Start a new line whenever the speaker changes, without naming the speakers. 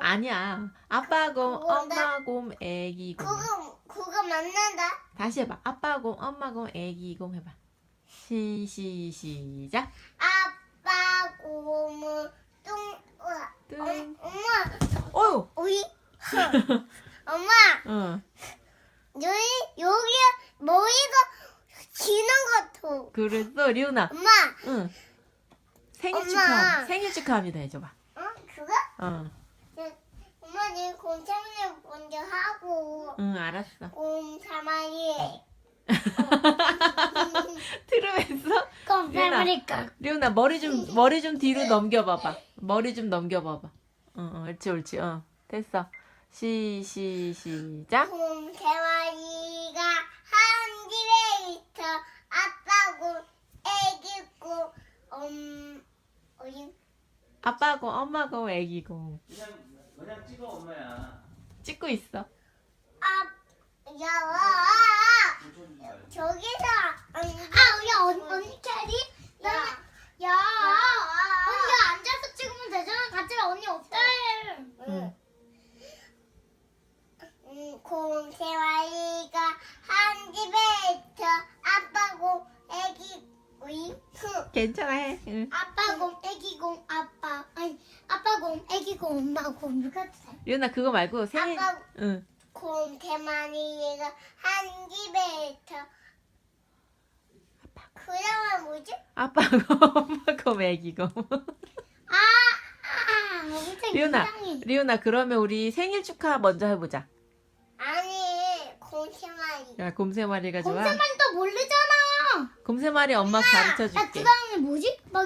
아니야. 아빠 곰,
그건가?
엄마 곰, 애기 곰.
그거 맞는다.
다시 해봐. 아빠 곰, 엄마 곰, 애기 곰 해봐. 시작.
아빠 곰은
뜬.
엄마
어유.
우리 엄마
응.
여기 머리가 기는 것 같아.
그랬어, 리오나.
엄마
응. 생일
엄마.
축하. 생일 축하합니다 해줘봐.
그거?
응.
엄마 내 곰탕을 먼저 하고
응, 알았어.
곰탕이
들으면서
곰탕이니까
리오나 머리 좀 뒤로 넘겨봐봐. 머리 좀 넘겨봐봐. 응, 옳지, 옳지. 됐어. 시작.
곰탕이가 한 집에 있어. 아빠 곰, 애기 곰, 어린
아빠 곰, 엄마 곰, 애기 곰.
그냥 찍어 엄마야.
찍고 있어.
야, 저기서 우리 언니 캐리? 야, 언니 앉아서 찍으면 되잖아. 같이 언니 없다 해.
응.
곰새와리가 한 집에 있어. 아빠 곰, 애기 곰.
괜찮아 해. 응.
아빠 곰, 애기 곰, 아빠 곰, 애기 곰, 엄마 곰. 누가 돼?
리오나 그거 말고 생일.
아빠
응.
곰 대만이가 한 집에 있어. 그러면 뭐지?
아빠 곰, 엄마 곰, 애기 곰.
엄청
리오나,
이상해.
리오나 그러면 우리 생일 축하 먼저 해보자.
아니, 곰 대만이.
야, 곰 세 마리가 좋아.
곰 대만이 또 모르잖아.
곰 세 마리 엄마 가르쳐
야,
줄게.
그 다음에 뭐지? 막